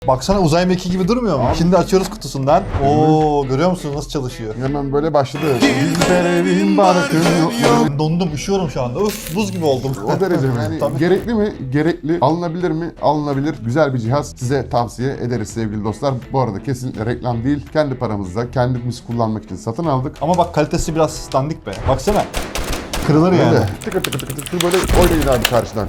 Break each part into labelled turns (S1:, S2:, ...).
S1: Baksana uzay mekiği gibi durmuyor mu? Şimdi açıyoruz kutusundan. Oo, görüyor musunuz nasıl çalışıyor?
S2: Hemen böyle başladı. Bizlerin barkın yok.
S1: Ben dondum, üşüyorum şu anda. Uf, buz gibi oldum.
S2: O derece mi? Yani
S1: Tabii.
S2: gerekli mi? Gerekli. Alınabilir mi? Alınabilir. Güzel bir cihaz. Size tavsiye ederiz sevgili dostlar. Bu arada kesinlikle reklam değil. Kendi paramızla kendimiz kullanmak için satın aldık.
S1: Ama bak kalitesi biraz dandik be. Baksana. Kırılır yani.
S2: Böyle tıkır tıkır tıkır tıkır böyle oynayın abi karşıdan.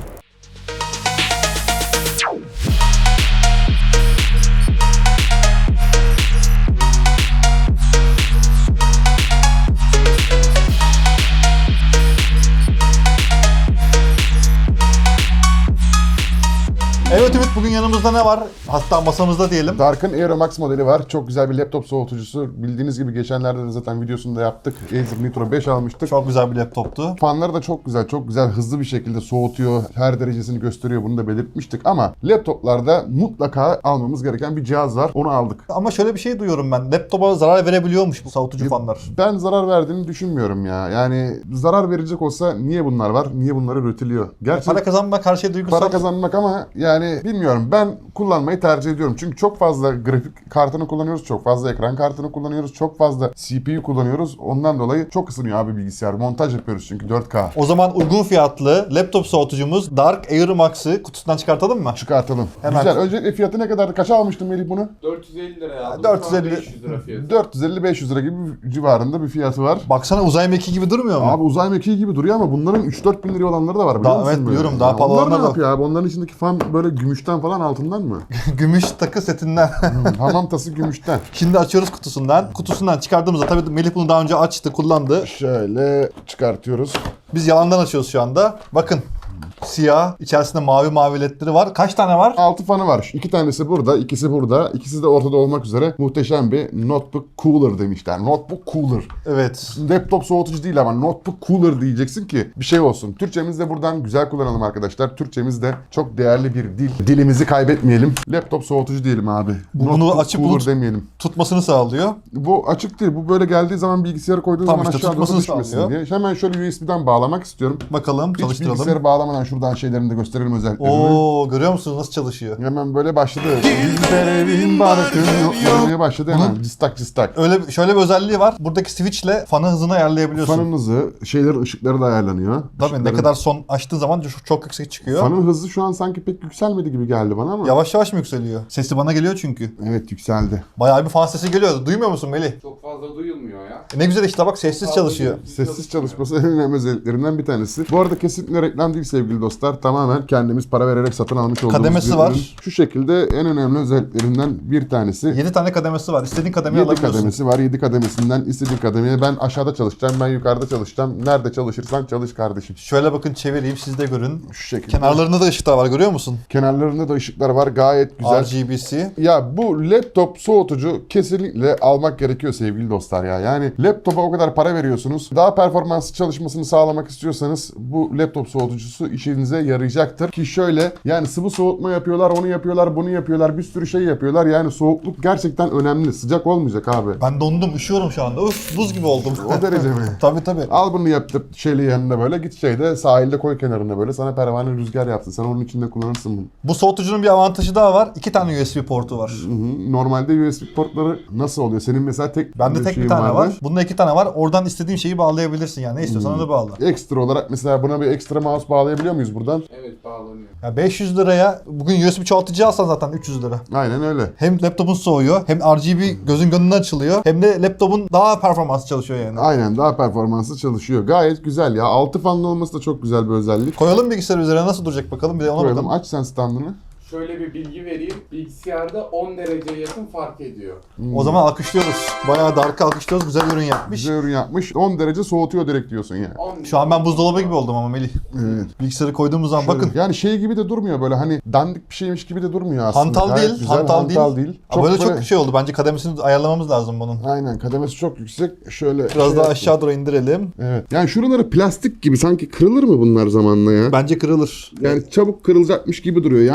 S1: Evet Ümit, bugün yanımızda ne var? Hatta masamızda diyelim.
S2: Dark'ın Aero Max modeli var. Çok güzel bir laptop soğutucusu. Bildiğiniz gibi geçenlerde de zaten videosunu da yaptık. Acer Nitro 5 almıştık.
S1: Çok güzel bir laptoptu.
S2: Fanları da çok güzel, çok güzel hızlı bir şekilde soğutuyor. Her derecesini gösteriyor. Bunu da belirtmiştik ama laptoplarda mutlaka almamız gereken bir cihaz var. Onu aldık.
S1: Ama şöyle bir şey duyuyorum ben. Laptopa zarar verebiliyormuş bu soğutucu fanlar.
S2: Ben zarar verdiğini düşünmüyorum ya. Yani zarar verecek olsa niye bunlar var? Niye bunlar üretiliyor? Gerçi
S1: Para kazanmak her şey duygusal.
S2: para kazanmak ama yani bilmiyorum. Ben kullanmayı tercih ediyorum. Çünkü çok fazla grafik kartını kullanıyoruz. Çok fazla ekran kartını kullanıyoruz. Çok fazla CPU kullanıyoruz. Ondan dolayı çok ısınıyor abi bilgisayar. Montaj yapıyoruz çünkü 4K.
S1: O zaman uygun fiyatlı laptop soğutucumuz Dark Air Max'ı kutusundan çıkartalım mı?
S2: Çıkartalım.
S1: Hemen.
S2: Güzel. Öncelikle fiyatı ne kadardı? Kaça almıştın Melih bunu?
S3: 450 liraya aldım.
S1: 450
S3: Şu an 500 lira fiyatı.
S2: 450-500 lira gibi civarında bir fiyatı var.
S1: Baksana uzay mekiği gibi durmuyor mu?
S2: Abi uzay mekiği gibi duruyor ama bunların 3-4 bin liraya olanları da var biliyor
S1: Daha-
S2: musun?
S1: evet,
S2: böyle?
S1: biliyorum. Daha pahalı
S2: Onlar
S1: olanlar
S2: ne
S1: da-
S2: yapıyor abi? Onların içindeki fan böyle gümüşten falan altından mı?
S1: Gümüş takı setinden.
S2: Hamam tası gümüşten.
S1: Şimdi açıyoruz kutusundan. Kutusundan çıkardığımızda tabii Melih bunu daha önce açtı, kullandı.
S2: Şöyle çıkartıyoruz.
S1: Biz yalandan açıyoruz şu anda. Bakın. Siyah, içerisinde mavi mavi ledleri var. Kaç tane var?
S2: 6 fanı var. 2 tanesi burada, ikisi burada. İkisi de ortada olmak üzere muhteşem bir notebook cooler demişler. Notebook cooler.
S1: Evet.
S2: Laptop soğutucu değil ama notebook cooler diyeceksin ki bir şey olsun. Türkçemizi de buradan güzel kullanalım arkadaşlar. Türkçemiz de çok değerli bir dil. Dilimizi kaybetmeyelim. Laptop soğutucu diyelim abi.
S1: Bunu
S2: Notebook
S1: açıp
S2: cooler
S1: bunu-
S2: demeyelim.
S1: Tutmasını sağlıyor.
S2: Bu açık değil. Bu böyle geldiği zaman bilgisayarı koyduğun
S1: Tam
S2: zaman
S1: işte
S2: aşağı doğru
S1: tutmasını
S2: düşmesin
S1: sağlıyor.
S2: diye. Hemen şöyle USB'den bağlamak istiyorum.
S1: Bakalım,
S2: Hiç
S1: çalıştıralım.
S2: bilgisayarı bağlamadan şuradan şeylerini de gösterelim özelliklerini.
S1: Oo, görüyor musunuz nasıl çalışıyor?
S2: Hemen böyle başladı. Bizlerin barkın yok. Görmeye başladı hemen. Cıstak cıstak.
S1: Öyle şöyle bir özelliği var. Buradaki switchle fanı hızını ayarlayabiliyorsun.
S2: Fanın hızı, şeylerin ışıkları da ayarlanıyor.
S1: Tabii ne
S2: Işıkların-
S1: kadar son açtığın zaman çok yüksek çıkıyor.
S2: Fanın hızı şu an sanki pek yükselmedi gibi geldi bana ama.
S1: Yavaş yavaş mı yükseliyor? Sesi bana geliyor çünkü.
S2: Evet yükseldi.
S1: Bayağı bir fan sesi geliyor. Duymuyor musun Melih?
S3: Çok fazla duyulmuyor ya.
S1: Ne güzel işte bak, sessiz çalışıyor.
S2: Sessiz çalışması en önemli özelliklerinden bir tanesi. Bu arada kesinlikle reklam değil sevgili dostlar. Tamamen kendimiz para vererek satın almış olduğumuz
S1: Kademesi
S2: bir
S1: var.
S2: ürün. Şu şekilde en önemli özelliklerinden bir tanesi.
S1: 7 tane kademesi var. İstediğin kademeyi
S2: 7
S1: alabiliyorsun.
S2: kademesi var. 7 kademesinden istediğin kademeye ben aşağıda çalışacağım, ben yukarıda çalışacağım. Nerede çalışırsan çalış kardeşim.
S1: Şöyle bakın, çevireyim siz de görün.
S2: Şu şekilde.
S1: Kenarlarında da ışıklar var, görüyor musun?
S2: Kenarlarında da ışıklar var. Gayet güzel.
S1: RGB'si.
S2: Ya bu laptop soğutucu kesinlikle almak gerekiyor sevgili dostlar ya. Yani laptopa o kadar para veriyorsunuz. Daha performanslı çalışmasını sağlamak istiyorsanız bu laptop soğutucusu işinize yarayacaktır. Ki şöyle yani sıvı soğutma yapıyorlar, onu yapıyorlar, bunu yapıyorlar, bir sürü şey yapıyorlar. Yani soğukluk gerçekten önemli. Sıcak olmayacak abi.
S1: Ben dondum, üşüyorum şu anda. Uf, buz gibi oldum.
S2: O derece mi?
S1: Tabii tabii.
S2: Al bunu yaptır şeyle yanına böyle git şeyde sahilde koy kenarına böyle sana pervane rüzgar yapsın. Sen onun içinde kullanırsın bunu.
S1: Bu soğutucunun bir avantajı daha var. 2 tane USB portu var.
S2: Hı hı. Normalde USB portları nasıl oluyor? Senin mesela tek
S1: Bende tek bir
S2: şeyin
S1: tane
S2: vardı.
S1: var. Bunda 2 tane var. Oradan istediğin şeyi bağlayabilirsin yani. Ne istiyorsan onu bağla.
S2: Ekstra olarak mesela buna bir ekstra mouse bağlayabiliyor muyuz buradan?
S3: Evet bağlanıyor.
S1: Ya 500 liraya bugün USB çoğaltıcı alsan zaten 300 lira.
S2: Aynen öyle.
S1: Hem laptopun soğuyor, hem RGB gözün gönlünden açılıyor, hem de laptopun daha performanslı çalışıyor yani.
S2: Aynen daha performanslı çalışıyor. Gayet güzel ya. 6 fanlı olması da çok güzel bir özellik.
S1: Koyalım bilgisayar üzerine, nasıl duracak bakalım, bir de ona
S2: Koyalım.
S1: bakalım.
S2: Aç sen standını.
S3: Şöyle bir bilgi vereyim. Bilgisayarda 10 dereceye yakın fark ediyor.
S1: O zaman alkışlıyoruz. Bayağı Dark'ı alkışlıyoruz. Güzel ürün yapmış.
S2: Güzel ürün yapmış. 10 derece soğutuyor direkt diyorsun yani.
S3: 10
S1: Şu an ben buzdolabı gibi oldum ama Melih.
S2: Evet.
S1: Bilgisayarı koyduğumuz zaman bakın.
S2: Yani şey gibi de durmuyor böyle hani dandik bir şeymiş gibi de durmuyor aslında.
S1: Hantal
S2: Gayet
S1: değil,
S2: güzel,
S1: hantal değil. Ama böyle
S2: böyle-
S1: çok şey oldu. Bence kademesini ayarlamamız lazım bunun.
S2: Aynen kademesi çok yüksek. Şöyle
S1: Biraz
S2: şey
S1: daha
S2: yapayım.
S1: aşağı doğru indirelim.
S2: Evet. Yani şuraları plastik gibi sanki kırılır mı bunlar zamanla ya?
S1: Bence kırılır.
S2: Yani çabuk kırılacakmış gibi duruyor. Yani abi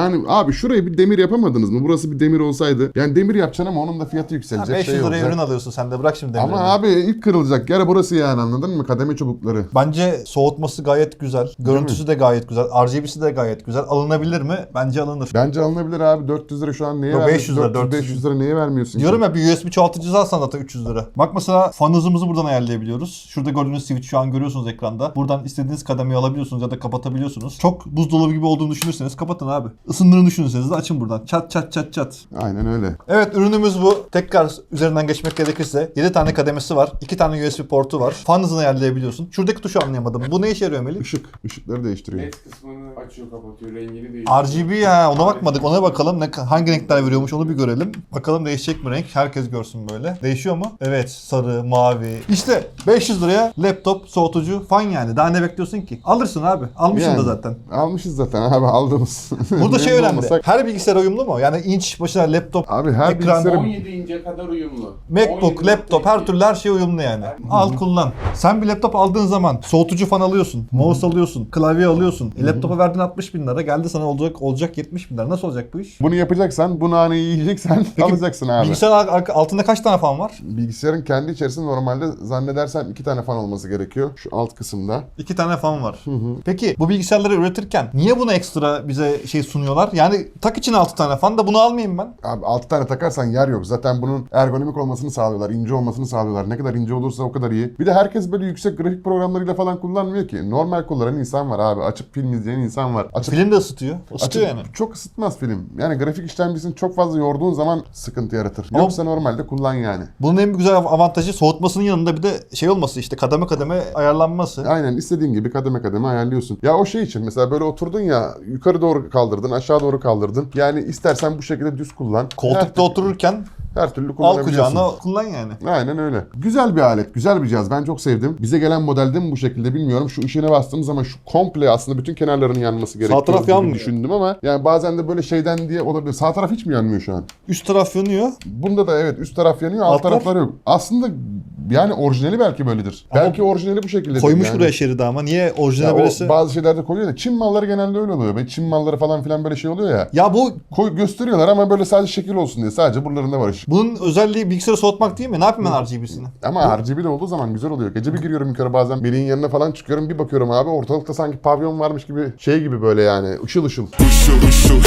S2: Abi şurayı bir demir yapamadınız mı? Burası bir demir olsaydı. Yani demir yapacaksın ama onun da fiyatı yükselecek.
S1: 500 liraya
S2: olacak.
S1: ürün alıyorsun sen de, bırak şimdi demirini.
S2: Ama abi ilk kırılacak yer burası yani, anladın mı? Kademe çubukları.
S1: Bence soğutması gayet güzel. Görüntüsü de gayet güzel. RGB'si de gayet güzel. Alınabilir mi? Bence alınır.
S2: Bence alınabilir abi. 400 lira şu an neye
S1: Yok,
S2: vermiyorsun?
S1: 500 lira,
S2: 500 lira neye vermiyorsun?
S1: Diyorum ya, bir USB çoğaltıcı alsan zaten 300 lira. Bak mesela fan hızımızı buradan ayarlayabiliyoruz. Şurada gördüğünüz switch şu an görüyorsunuz ekranda. Buradan istediğiniz kademeyi alabiliyorsunuz ya da kapatabiliyorsunuz. Çok buzdolabı gibi olduğunu düşünürseniz kapatın abi. Isındığını düşünürseniz de açın buradan. Çat çat çat çat.
S2: Aynen öyle.
S1: Evet, ürünümüz bu. Tekrar üzerinden geçmek gerekirse 7 tane kademesi var. 2 tane USB portu var. Fan hızını ayarlayabiliyorsun. Şuradaki tuşu anlayamadım. Bu ne işe yarıyor Melih?
S2: Işıkları değiştiriyor.
S3: LED kısmını açıyor kapatıyor, rengini değiştiriyor.
S1: RGB ya, ona bakmadık. Ona bakalım. Hangi renkler veriyormuş onu bir görelim. Bakalım değişecek mi renk? Herkes görsün böyle. Değişiyor mu? Evet, sarı, mavi. İşte 500 liraya laptop, soğutucu, fan yani. Daha ne bekliyorsun ki? Alırsın abi. Almışsın
S2: Yani,
S1: da zaten.
S2: Almışız zaten abi, aldığımız.
S1: Burada şey
S2: Memnun
S1: önemli.
S2: olmasak-
S1: Her bilgisayar uyumlu mu? Yani inç başına laptop,
S2: Abi her
S1: ekran,
S2: bilgisayarın
S3: 17 ince kadar uyumlu.
S1: MacBook,
S3: 17.2.
S1: laptop, her türlü her şey uyumlu yani. Al kullan. Sen bir laptop aldığın zaman soğutucu fan alıyorsun, mouse alıyorsun, klavye alıyorsun. Laptopa verdiğin 60 bin lira, geldi sana olacak 70 bin lira. Nasıl olacak bu iş?
S2: bunu yapacaksan, bu naneyi yiyeceksen alacaksın abi.
S1: Bilgisayar altında kaç tane fan var?
S2: Bilgisayarın kendi içerisinde normalde zannedersem 2 tane fan olması gerekiyor. Şu alt kısımda.
S1: 2 tane fan var. Peki bu bilgisayarları üretirken niye buna ekstra bize şey sunuyorlar? Yani tak için 6 tane fan da bunu almayayım ben.
S2: Abi 6 tane takarsan yer yok. Zaten bunun ergonomik olmasını sağlıyorlar. İnce olmasını sağlıyorlar. Ne kadar ince olursa o kadar iyi. Bir de herkes böyle yüksek grafik programlarıyla falan kullanmıyor ki. Normal kullanan insan var abi. Açıp film izleyen insan var.
S1: Film de ısıtıyor. Isıtıyor
S2: Açıp
S1: yani.
S2: çok ısıtmaz film. Yani grafik işlemcisini çok fazla yorduğun zaman sıkıntı yaratır.
S1: Ama-
S2: Yoksa normalde kullan yani.
S1: Bunun en güzel avantajı soğutmasının yanında bir de şey olması, işte kademe kademe ayarlanması.
S2: Aynen, istediğin gibi kademe kademe ayarlıyorsun. Ya o şey için mesela böyle oturdun ya, yukarı doğru kaldırdın, aşağı doğru kaldırdın. Yani istersen bu şekilde düz kullan.
S1: Koltukta otururken
S2: her türlü
S1: al
S2: kullanabiliyorsun.
S1: kucağına kullan yani.
S2: Aynen öyle. Güzel bir alet, güzel bir cihaz. Ben çok sevdim. Bize gelen modelde mi bu şekilde bilmiyorum. Şu ışığına bastığım zaman şu komple aslında bütün kenarlarının yanması gerekiyor
S1: taraf
S2: gibi
S1: yanmıyor.
S2: düşündüm ama yani bazen de böyle şeyden diye olabilir. Sağ taraf hiç mi yanmıyor şu an?
S1: Üst taraf yanıyor.
S2: Bunda da evet, üst taraf yanıyor, alt
S1: Altlar?
S2: taraflar yok. Aslında yani orijinali belki böyledir.
S1: Ama
S2: belki orijinali bu şekilde.
S1: Koymuş
S2: yani.
S1: buraya şeridi ama niye orijinal
S2: Ya o
S1: böylesi?
S2: bazı şeylerde koyuyor da Çin malları genelde öyle oluyor. Böyle Çin malları falan filan böyle şey oluyor ya.
S1: Ya bu
S2: Gösteriyorlar ama böyle sadece şekil olsun diye. Sadece buralarında var ışık.
S1: bunun özelliği bilgisayarı soğutmak değil mi? Ne yapayım ben RGB'sini?
S2: Ama RGB de olduğu zaman güzel oluyor. Gece bir giriyorum yukarı, bazen Melih'in yanına falan çıkıyorum, bir bakıyorum abi ortalıkta sanki pavyon varmış gibi, şey gibi böyle yani, ışıl ışıl.
S4: Işıl ışıl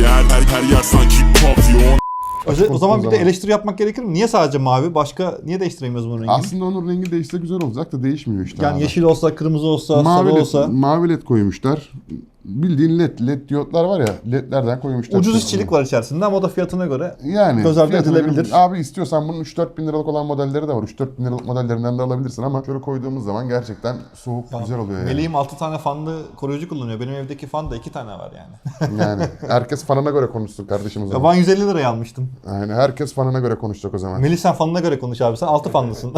S4: her yer sanki pavyon.
S1: O zaman bir de
S2: zaman.
S1: eleştiri yapmak gerekir mi? Niye sadece mavi? Başka niye değiştiremiyoruz bunun rengini?
S2: Aslında onun rengi değişse güzel olacak da değişmiyor işte
S1: Yani
S2: abi.
S1: yeşil olsa, kırmızı olsa,
S2: Mavi
S1: sarı
S2: led,
S1: olsa.
S2: mavi led koymuşlar. Bildiğin led diyotlar var ya, ledlerden koymuşlar.
S1: Ucuz işçilik var içerisinde ama o da fiyatına göre
S2: Yani
S1: göz ardı
S2: fiyatına
S1: edilebilir.
S2: göre- Abi istiyorsan bunun 3-4 bin liralık olan modelleri de var. 3-4 bin liralık modellerinden de alabilirsin ama şöyle koyduğumuz zaman gerçekten soğuk, güzel oluyor yani.
S1: Meleğim 6 tane fanlı koruyucu kullanıyor. Benim evdeki fan da 2 tane var yani.
S2: Yani herkes fanına göre konuşsun kardeşim o
S1: Ya
S2: zaman.
S1: ben 150 liraya almıştım.
S2: Yani herkes fanına göre konuşacak o zaman.
S1: Melih sen fanına göre konuş abi. Sen 6 fanlısın.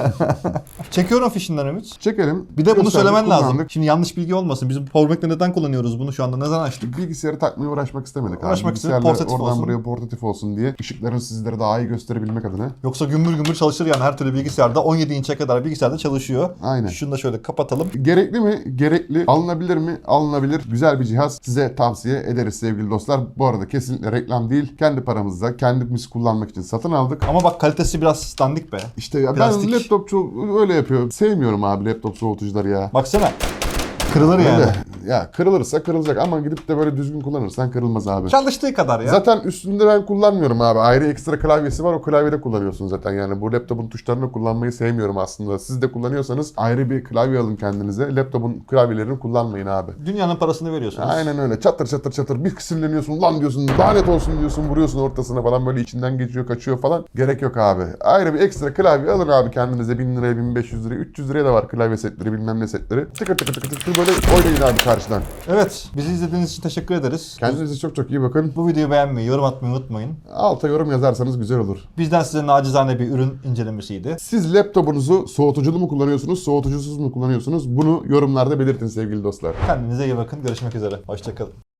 S1: Çekiyorum fişinden Ümit.
S2: Çekelim.
S1: Bir de bunu
S2: Gösterdik,
S1: söylemen lazım.
S2: kullandık.
S1: Şimdi yanlış bilgi olmasın. Bizim Powerbank'le neden kullanıyoruz bunu şu anda? Ne zaman açtık?
S2: Bilgisayarı takmaya uğraşmak istemedik.
S1: Uğraşmak
S2: abi.
S1: istedik,
S2: Bilgisayarla
S1: portatif
S2: oradan
S1: olsun.
S2: buraya portatif olsun diye. Işıkların sizlere daha iyi gösterebilmek adına.
S1: Yoksa gümbür gümbür çalışır yani her türlü bilgisayarda. 17 inçe kadar bilgisayarda çalışıyor.
S2: Aynen.
S1: Şunu da şöyle kapatalım.
S2: Gerekli mi? Gerekli. Alınabilir mi? Alınabilir. Güzel bir cihaz. Size tavsiye ederiz sevgili dostlar. Bu arada kesinlikle reklam değil. Kendi paramızla kendimiz kullanmak için satın aldık.
S1: Ama bak kalitesi biraz dandik be.
S2: İşte ya
S1: Plastik.
S2: ben laptopçu öyle yapıyor. Sevmiyorum abi laptop soğutucuları ya.
S1: Baksana. Kırılır yani.
S2: Öyle. Ya kırılırsa kırılacak ama gidip de böyle düzgün kullanırsan kırılmaz abi.
S1: Çalıştığı kadar ya.
S2: Zaten üstünde ben kullanmıyorum abi. Ayrı ekstra klavyesi var. O klavyede kullanıyorsun zaten. Yani bu laptopun tuşlarını kullanmayı sevmiyorum aslında. Siz de kullanıyorsanız ayrı bir klavye alın kendinize. Laptopun klavyelerini kullanmayın abi.
S1: Dünyanın parasını veriyorsunuz.
S2: Aynen öyle. Çatır çatır çatır. Bir sinirleniyorsun. Lan diyorsun. Lanet olsun diyorsun. Vuruyorsun ortasına falan. Böyle içinden geçiyor, kaçıyor falan. Gerek yok abi. Ayrı bir ekstra klavye alın abi kendinize. 1000 liraya, 1500 liraya, 300 liraya da var klavye setleri, bilmem ne setleri. Tıkır tıkır tıkır tıkır böyle oynayın abi karşıdan.
S1: Evet. Bizi izlediğiniz için teşekkür ederiz.
S2: Kendinize çok çok iyi bakın.
S1: Bu videoyu beğenmeyi, yorum atmayı unutmayın.
S2: Alta yorum yazarsanız güzel olur.
S1: Bizden size nacizane bir ürün incelemesiydi.
S2: Siz laptopunuzu soğutuculu mu kullanıyorsunuz, soğutucusuz mu kullanıyorsunuz? Bunu yorumlarda belirtin sevgili dostlar.
S1: Kendinize iyi bakın. Görüşmek üzere. Hoşçakalın.